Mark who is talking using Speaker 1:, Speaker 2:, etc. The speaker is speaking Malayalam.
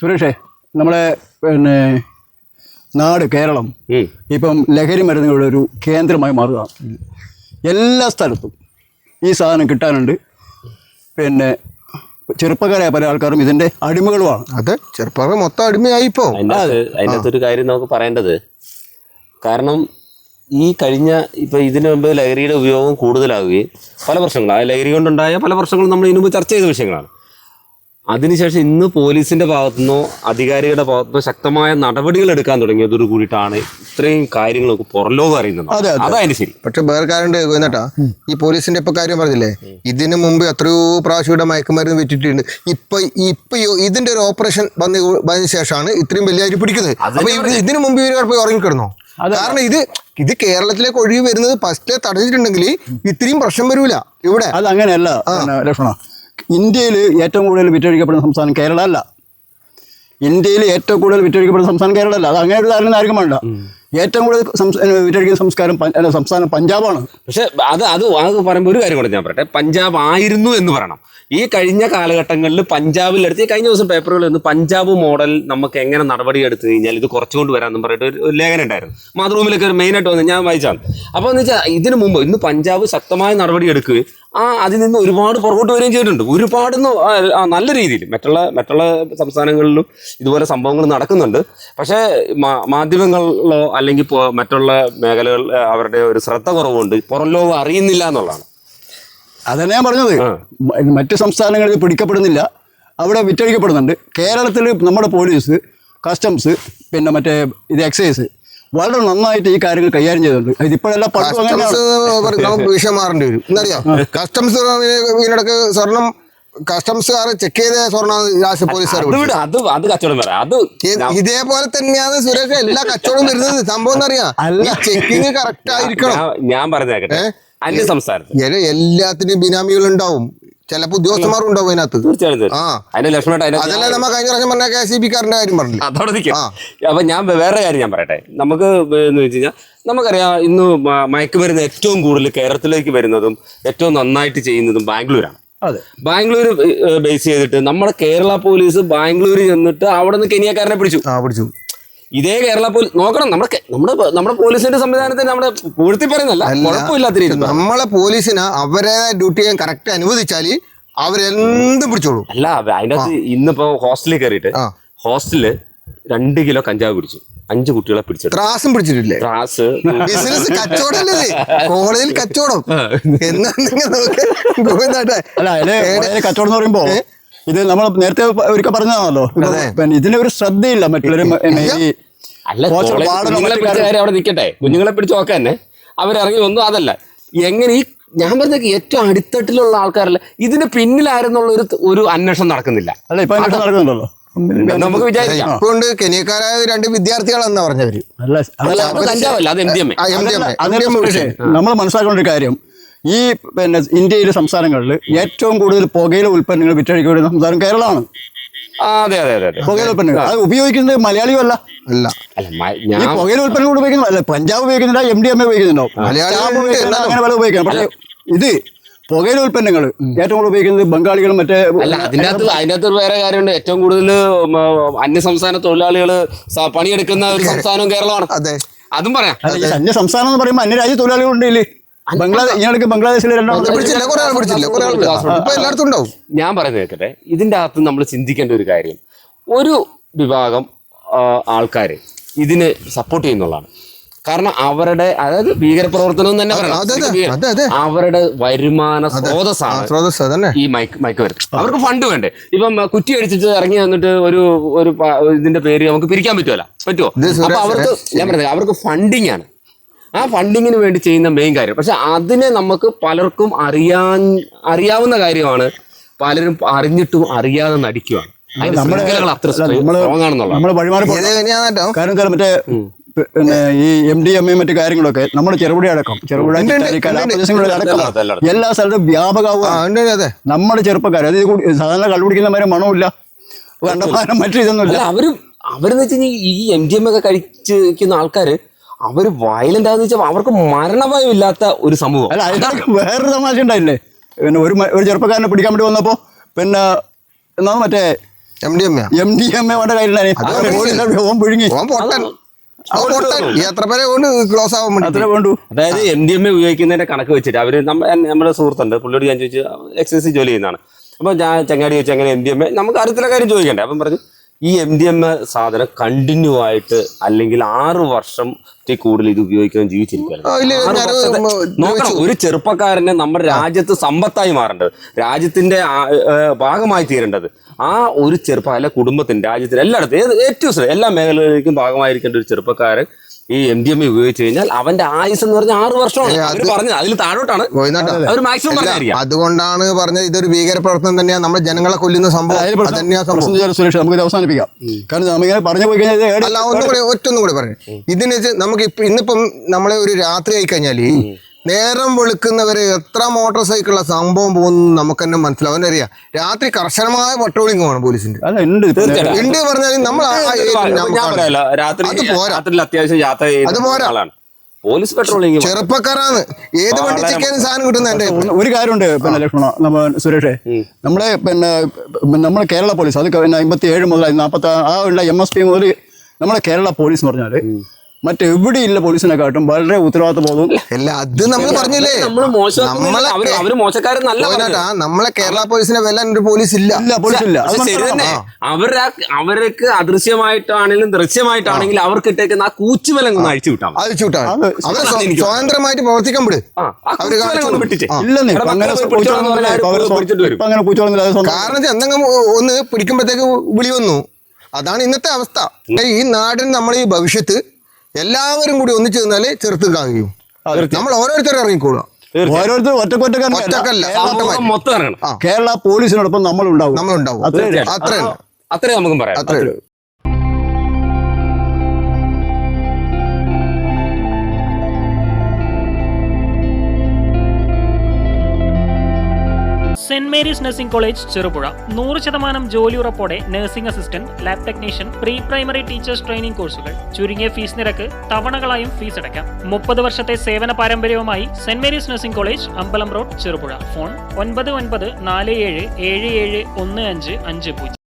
Speaker 1: സുരേഷേ, നമ്മളെ പിന്നെ നാട് കേരളം ഇപ്പം ലഹരി മരുന്നുകളുടെ ഒരു കേന്ദ്രമായി മാറുക. എല്ലാ സ്ഥലത്തും ഈ സാധനം കിട്ടാനുണ്ട്. പിന്നെ ചെറുപ്പക്കാരായ പല ആൾക്കാരും ഇതിന്റെ അടിമകളുമാണ്.
Speaker 2: അതെ, ചെറുപ്പക്കാർ മൊത്തം അടിമയായിപ്പോ.
Speaker 3: അതിനകത്തൊരു കാര്യം നമുക്ക് പറയേണ്ടത്, കാരണം ഈ കഴിഞ്ഞ ഇതിനു മുമ്പ് ലഹരിയുടെ ഉപയോഗം കൂടുതലാവുകയും പല പ്രശ്നങ്ങളും, ആ ലഹരി കൊണ്ടുണ്ടായ പല പ്രശ്നങ്ങളും നമ്മൾ ഇതിനു മുമ്പ് ചർച്ച ചെയ്ത വിഷയങ്ങളാണ്. അതിനുശേഷം ഇന്ന് പോലീസിന്റെ ഭാഗത്തുനിന്നോ അധികാരികളുടെ ഭാഗത്തുനിന്നോ ശക്തമായ നടപടികൾ എടുക്കാൻ തുടങ്ങിയതോട് കൂടിയിട്ടാണ് ഇത്രയും കാര്യങ്ങളൊക്കെ പുറംലോകം അറിയുന്നത്. അതായത് ശരി.
Speaker 2: പക്ഷെ വേറെ കാര്യം കേട്ടാ, ഈ പോലീസിന്റെ ഇപ്പൊ കാര്യം പറഞ്ഞില്ലേ, ഇതിനു മുമ്പ് എത്രയോ പ്രാവശ്യം ഇവിടെ മയക്കുമരുന്ന് വിറ്റിട്ടുണ്ട്. ഇപ്പൊ ഇതിന്റെ ഒരു ഓപ്പറേഷൻ വന്നതിന് ശേഷമാണ് ഇത്രയും വലിയ അരി പിടിക്കുന്നത്. അപ്പൊ ഇതിനു മുമ്പ് ഇവർ പോയി ഉറങ്ങിക്കിടന്നോ? കാരണം ഇത് കേരളത്തിലേക്ക് ഒഴുകി വരുന്നത് ഫസ്റ്റ് തടഞ്ഞിട്ടുണ്ടെങ്കിൽ ഇത്രയും പ്രശ്നം വരൂല ഇവിടെ.
Speaker 1: അത് അങ്ങനെയല്ല ലക്ഷ്മണ. ഇന്ത്യയിൽ ഏറ്റവും കൂടുതൽ വിറ്റഴിക്കപ്പെടുന്ന സംസ്ഥാനം കേരള അല്ല. ഇന്ത്യയിൽ ഏറ്റവും കൂടുതൽ വിറ്റഴിക്കപ്പെടുന്ന സംസ്ഥാനം കേരള അല്ല. അത് അങ്ങനെ ഒരു ധാരണ ആർക്കും വേണ്ട. ഏറ്റവും കൂടുതൽ വിറ്റഴിക്കുന്ന സംസ്ഥാനം പഞ്ചാബാണ്.
Speaker 3: പക്ഷെ അത് പറയുമ്പോൾ ഒരു കാര്യം കൂടെ ഞാൻ പറയട്ടെ, പഞ്ചാബ് ആയിരുന്നു എന്ന് പറയണം. ഈ കഴിഞ്ഞ കാലഘട്ടങ്ങളിൽ പഞ്ചാബിലെടുത്ത്, ഈ കഴിഞ്ഞ ദിവസം പേപ്പറുകളിൽ നിന്ന് പഞ്ചാബ് മോഡൽ നമുക്ക് എങ്ങനെ നടപടി എടുത്തു കഴിഞ്ഞാൽ ഇത് കുറച്ചുകൊണ്ട് വരാമെന്നും പറഞ്ഞിട്ട് ഒരു ലേഖനം ഉണ്ടായിരുന്നു. മാതൃഭൂമിയിലൊക്കെ ഒരു മെയിനായിട്ട് വന്ന് ഞാൻ വായിച്ചാണ്. അപ്പോൾ എന്ന് വെച്ചാൽ ഇതിനു മുമ്പ് ഇന്ന് പഞ്ചാബ് ശക്തമായ നടപടി എടുക്കുകയും അതിൽ നിന്ന് ഒരുപാട് പുറകോട്ട് വരികയും ചെയ്തിട്ടുണ്ട്. ഒരുപാട് നല്ല രീതിയിൽ മറ്റുള്ള സംസ്ഥാനങ്ങളിലും ഇതുപോലെ സംഭവങ്ങൾ നടക്കുന്നുണ്ട്. പക്ഷേ മാധ്യമങ്ങളിലോ അല്ലെങ്കിൽ മറ്റുള്ള മേഖലകൾ അവരുടെ ഒരു ശ്രദ്ധ കുറവുണ്ട്, പുറം ലോകം അറിയുന്നില്ല എന്നുള്ളതാണ്.
Speaker 1: അതന്നെ ഞാൻ പറഞ്ഞത്. മറ്റ് സംസ്ഥാനങ്ങളിൽ പിടിക്കപ്പെടുന്നില്ല, അവിടെ വിറ്റഴിക്കപ്പെടുന്നുണ്ട്. കേരളത്തിൽ നമ്മുടെ പോലീസ്, കസ്റ്റംസ്, പിന്നെ മറ്റേ എക്സൈസ് വളരെ നന്നായിട്ട് ഈ കാര്യങ്ങൾ കൈകാര്യം ചെയ്തിട്ടുണ്ട്. ഇതിപ്പോഴെല്ലാം
Speaker 2: വിഷയം മാറേണ്ടി വരും. എന്നറിയാം, കസ്റ്റംസ് ഇതിനിടക്ക് സ്വർണം കസ്റ്റംസുകാർ ചെക്ക് ചെയ്ത സ്വർണ്ണ പോലീസുകാർ ഇതേപോലെ തന്നെയാണ് സുരേഷ് എല്ലാ കച്ചവടം വരുന്നത്. സംഭവം എന്നറിയാം, ചെക്കിങ് കറക്റ്റ് ആയിരിക്കണം.
Speaker 3: ഞാൻ പറഞ്ഞേക്കട്ടെ, അന്യ സംസ്ഥാനത്ത്
Speaker 2: എല്ലാത്തിനും ബിനാമികൾ ഉണ്ടാവും, ചിലപ്പോ ഉദ്യോഗസ്ഥന്മാർ ഉണ്ടാവും അതിനകത്ത്. അതല്ല നമ്മ കഴിഞ്ഞ പ്രാവശ്യം പറഞ്ഞ KCB-കാരന്റെ കാര്യം പറഞ്ഞു.
Speaker 3: അപ്പൊ ഞാൻ വേറെ കാര്യം ഞാൻ പറയട്ടെ. നമുക്ക് എന്ന് വെച്ച് കഴിഞ്ഞാൽ നമുക്കറിയാം, ഇന്ന് മയക്കുമരുന്ന് ഏറ്റവും കൂടുതൽ കേരളത്തിലേക്ക് വരുന്നതും ഏറ്റവും നന്നായിട്ട് ചെയ്യുന്നതും ബാംഗ്ലൂരാണ്. ബാംഗ്ലൂർ ബേസ് ചെയ്തിട്ട് നമ്മുടെ കേരള പോലീസ് ബാംഗ്ലൂരിൽ ചെന്നിട്ട് അവിടെ നിന്ന് കെനിയക്കാരനെ പിടിച്ചു. ഇതേ കേരള പോലീസ് നോക്കണം, നമ്മുടെ പോലീസിന്റെ സംവിധാനത്തിന് നമ്മുടെ പൂഴ്ത്തി പറയുന്നല്ല, കുഴപ്പമില്ലാത്ത രീതി
Speaker 2: നമ്മളെ പോലീസിന് അവരെ ഡ്യൂട്ടി ചെയ്യാൻ കറക്റ്റ് അനുവദിച്ചാല് അവരെന്തും പിടിച്ചോളൂ.
Speaker 3: അല്ല, അതിൻ്റെ അകത്ത് ഇന്നിപ്പോ ഹോസ്റ്റലിൽ കയറിയിട്ട് ഹോസ്റ്റലില് 2 കിലോ കഞ്ചാവ് പിടിച്ചു, 5 കുട്ടികളെ പിടിച്ചു.
Speaker 2: ത്രാസും പിടിച്ചിട്ടില്ലേ?
Speaker 3: ത്രാസ്
Speaker 2: ബിസിനസ് കച്ചവടല്ലേ, കോളേജിൽ കച്ചവടം.
Speaker 1: കച്ചവടം എന്ന് പറയുമ്പോ ഇത് നമ്മൾ നേരത്തെ ഒരിക്കൽ പറഞ്ഞതാണല്ലോ, പിന്നെ ഇതിന് ഒരു ശ്രദ്ധയില്ല മറ്റുള്ളവരും.
Speaker 3: അവിടെ നിൽക്കട്ടെ, കുഞ്ഞുങ്ങളെ പിടിച്ച് നോക്കാൻ തന്നെ അവരിറങ്ങി ഒന്നും അതല്ല. എങ്ങനെ ഈ ഞാൻ പറഞ്ഞ ഏറ്റവും അടിത്തട്ടിലുള്ള ആൾക്കാരല്ല ഇതിന് പിന്നിലായിരുന്നുള്ള ഒരു അന്വേഷണം നടക്കുന്നില്ല.
Speaker 1: അല്ല, ഇപ്പൊ അന്വേഷണം നടക്കുന്നുണ്ടല്ലോ.
Speaker 3: നമുക്ക് വിചാരിക്കാം.
Speaker 2: അതുകൊണ്ട് കെനിയക്കാരായ 2 വിദ്യാർത്ഥികളെന്നാ പറഞ്ഞവര്.
Speaker 1: നമ്മൾ മനസ്സിലാക്കേണ്ട ഒരു കാര്യം, ഈ പിന്നെ ഇന്ത്യയിലെ സംസ്ഥാനങ്ങളിൽ ഏറ്റവും കൂടുതൽ പുകയില ഉൽപ്പന്നങ്ങൾ വിറ്റഴിക്കുന്ന സംസ്ഥാനം കേരളമാണ്. പുകയില ഉൽപ്പന്നങ്ങൾ അത് ഉപയോഗിക്കുന്നത് മലയാളിയും അല്ല. ഈ പുകയില ഉൽപ്പന്നങ്ങൾ ഉപയോഗിക്കുന്നത് അല്ല, പഞ്ചാബ് ഉപയോഗിക്കുന്നില്ല, MDMA ഉപയോഗിക്കുന്നുണ്ടോ, അങ്ങനെ പല ഉപയോഗിക്കണം. പക്ഷേ ഇത് പുകയില ഉൽപ്പന്നങ്ങൾ ഏറ്റവും കൂടുതൽ ഉപയോഗിക്കുന്നത് ബംഗാളികളും മറ്റേ.
Speaker 3: അതിനകത്ത് വേറെ കാര്യമുണ്ട്, ഏറ്റവും കൂടുതൽ അന്യസംസ്ഥാന തൊഴിലാളികൾ പണിയെടുക്കുന്ന ഒരു സംസ്ഥാനവും കേരളമാണ്. അതും പറയാം.
Speaker 1: അന്യ സംസ്ഥാനം എന്ന് പറയുമ്പോൾ അന്യരാജ്യ തൊഴിലാളികളുണ്ട്. ബംഗ്ലാദേശിലെ
Speaker 3: ഞാൻ പറയുന്നത് കേൾക്കട്ടെ. ഇതിന്റെ അകത്ത് നമ്മൾ ചിന്തിക്കേണ്ട ഒരു കാര്യം, ഒരു വിഭാഗം ആൾക്കാര് ഇതിന് സപ്പോർട്ട് ചെയ്യുന്നുള്ളതാണ്. കാരണം അവരുടെ, അതായത് ഭീകരപ്രവർത്തനം തന്നെ പറയണം, അവരുടെ വരുമാന സ്രോതസ്സാണ് ഈ മയക്കുമരുന്ന്. അവർക്ക് ഫണ്ട് വേണ്ടേ? ഇപ്പം കുറ്റി അടിച്ചിട്ട് ഇറങ്ങി വന്നിട്ട് ഒരു ഇതിന്റെ പേര് നമുക്ക് പിരിക്കാൻ പറ്റുമോ? അപ്പൊ അവർക്ക്, ഞാൻ പറയുന്നത്, അവർക്ക് ഫണ്ടിങ് ആണ്. ആ ഫണ്ടിങ്ങിന് വേണ്ടി ചെയ്യുന്ന മെയിൻ കാര്യം. പക്ഷെ അതിനെ നമുക്ക് പലർക്കും അറിയാവുന്ന കാര്യമാണ്, പലരും അറിഞ്ഞിട്ടും അറിയാതെ നടിക്കുകയാണ്. അത്ര സ്ട്രോങ് ആണെന്നുള്ളത്.
Speaker 1: കാരണം മറ്റേ പിന്നെ ഈ MDMA മറ്റു കാര്യങ്ങളൊക്കെ നമ്മുടെ ചെറുപുഴ അടക്കം എല്ലാ സ്ഥലത്തും വ്യാപകമാവുക. നമ്മുടെ ചെറുപ്പക്കാർ അത് സാധാരണ കള്ളുപിടിക്കുന്നവരെ മണമില്ല, കണ്ടമാനം മറ്റു ഇതൊന്നുമില്ല.
Speaker 3: അവരെന്ന് വെച്ച് കഴിഞ്ഞാൽ ഈ MDMA ഒക്കെ കഴിച്ചിരിക്കുന്ന ആൾക്കാര് അവർ വയലന്റ് ആണെന്ന് വെച്ചാൽ അവർക്ക് മരണഭയം ഇല്ലാത്ത ഒരു സമൂഹം.
Speaker 1: അല്ല, അതിനൊക്കെ വേറൊരു തമാശ ഉണ്ടായില്ലേ? പിന്നെ ഒരു ചെറുപ്പക്കാരനെ പിടിക്കാൻ വേണ്ടി വന്നപ്പോൾ പിന്നെ എന്നാ മറ്റേ MDMA വേണ്ട കാര്യമില്ല, ഓൻ പുഴുങ്ങി
Speaker 2: എത്ര പേരെ കൊണ്ട് ക്ലോസ് ആവാൻ വേണ്ടി
Speaker 1: അത്രേ വേണ്ടു.
Speaker 3: അതായത് MDMA ഉപയോഗിക്കുന്നതിന്റെ കണക്ക് വെച്ചിട്ട് അവര് നമ്മുടെ സുഹൃത്തുണ്ട്, പുള്ളിയോട് ഞാൻ ചോദിച്ചു, എക്സൈസ് ജോലി ചെയ്യുന്നതാണ്. അപ്പൊ ഞാൻ ചങ്ങാടി ചോദിച്ചു എങ്ങനെ MDMA, നമുക്ക് അറിയത്തില്ല കാര്യം ചോദിക്കണ്ടേ. അപ്പം പറഞ്ഞു ഈ MDMA സാധനം കണ്ടിന്യൂ ആയിട്ട് അല്ലെങ്കിൽ 6 വർഷത്തിൽ കൂടുതൽ ഇത് ഉപയോഗിക്കാൻ ജീവിച്ചിരിക്കുകയാണ്. നോക്കണം, ഒരു ചെറുപ്പക്കാരനെ നമ്മുടെ രാജ്യത്ത് സമ്പത്തായി മാറേണ്ടത്, രാജ്യത്തിന്റെ ഭാഗമായി തീരേണ്ടത് ആ ഒരു അല്ല കുടുംബത്തിന്, രാജ്യത്തിന് എല്ലായിടത്തും ഏറ്റവും എല്ലാ മേഖലകളിലേക്കും ഭാഗമായിരിക്കേണ്ട ഒരു ചെറുപ്പക്കാരൻ ഈ MDMA ഉപയോഗിച്ചു കഴിഞ്ഞാൽ അവന്റെ ആയുസ് എന്ന് പറഞ്ഞാൽ 6 വർഷമാണ്. അവര് പറഞ്ഞത് അതിൽ താഴോട്ടാണ് അവർ മാക്സിമം പറഞ്ഞായിരിക്കും.
Speaker 2: അതുകൊണ്ടാണ് പറഞ്ഞത് ഇതൊരു ഭീകര പ്രവർത്തനം തന്നെയാണ്, നമ്മുടെ ജനങ്ങളെ കൊല്ലുന്ന സംഭവം.
Speaker 1: സുരേഷ് നമുക്ക് അവസാനിപ്പിക്കാം. കാരണം നമ്മളിങ്ങനെ പറഞ്ഞു പോയി കഴിഞ്ഞാൽ
Speaker 2: അല്ല, ഒറ്റൊന്നും കൂടി പറഞ്ഞു. ഇതിന് നമുക്ക് ഇന്നിപ്പം നമ്മളെ ഒരു രാത്രി ആയി കഴിഞ്ഞാല് നേരം വെളുക്കുന്നവരെ എത്ര മോട്ടോർ സൈക്കിളുള്ള സംഭവം പോകുന്നു നമുക്ക് തന്നെ മനസ്സിലാവും. അവനറിയാം രാത്രി കർശനമായ പട്രോളിംഗ് ആണ് പോലീസിന്റെ. ഉണ്ട് പറഞ്ഞാൽ നമ്മൾ അത് പോരാ,
Speaker 3: പോലീസ് പെട്രോളിംഗ്
Speaker 2: ചെറുപ്പക്കാരാണ്, ഏത് വണ്ടി ചെക്കാനും സാധനം കിട്ടുന്ന.
Speaker 1: ഒരു കാര്യമുണ്ട് പിന്നെ ലക്ഷ്മണ സുരേഷേ, നമ്മളെ കേരള പോലീസ് അത് 57 മുതൽ 40 ആ ഉള്ള MSP മുതൽ നമ്മളെ കേരള പോലീസ് എന്ന് പറഞ്ഞാല് മറ്റെവിടെയില്ല പോലീസിനെക്കാട്ടും വളരെ ഉത്തരവാദിത്ത ബോധവും.
Speaker 2: അല്ല, അത് നമ്മൾ പറഞ്ഞില്ലേ, നമ്മളെ കേരള പോലീസിനെ വെല്ലാൻ ഒരു പോലീസ് ഇല്ല.
Speaker 3: അവർക്ക് അദൃശ്യമായിട്ടാണെങ്കിലും ദൃശ്യമായിട്ടാണെങ്കിലും അവർക്ക് ഇട്ടേക്കുന്ന ആ കൂച്ചുവലങ്ങ് അഴിച്ചു വിട്ടാം,
Speaker 2: അവർ സ്വതന്ത്രമായിട്ട് പ്രവർത്തിക്കാൻ വിട്. കാരണം എന്തെങ്കിലും ഒന്ന് പിടിക്കുമ്പോഴത്തേക്ക് വിളി വന്നു. അതാണ് ഇന്നത്തെ അവസ്ഥ. ഈ നാടിന് നമ്മൾ ഈ ഭവിഷ്യത്ത് എല്ലാവരും കൂടി ഒന്നിച്ചു നിന്നാലേ ചെറുത്ത് കാണിക്കും. നമ്മൾ ഓരോരുത്തരും ഇറങ്ങിക്കോളുക,
Speaker 1: ഓരോരുത്തർ ഒറ്റക്കൊറ്റക്കല്ല, കേരള പോലീസിനോടൊപ്പം നമ്മളുണ്ടാവും.
Speaker 3: അത്രേ നമുക്കും പറയാം.
Speaker 2: അത്രേ.
Speaker 4: Saint Mary's nursing college Cherupuzha 100% ജോലി ഉറപ്പോടെ nursing assistant, lab technician, pre primary teachers training കോഴ്സുകൾ, ചുരുങ്ങിയ ഫീസ് നിരക്ക്, തവണകളായും ഫീസ് അടയ്ക്കാം. 30 വർഷത്തെ സേവന പാരമ്പര്യവുമായി സെന്റ് മേരീസ് നഴ്സിംഗ് കോളേജ്, അമ്പലം റോഡ്, ചെറുപുഴ. ഫോൺ 9947771550.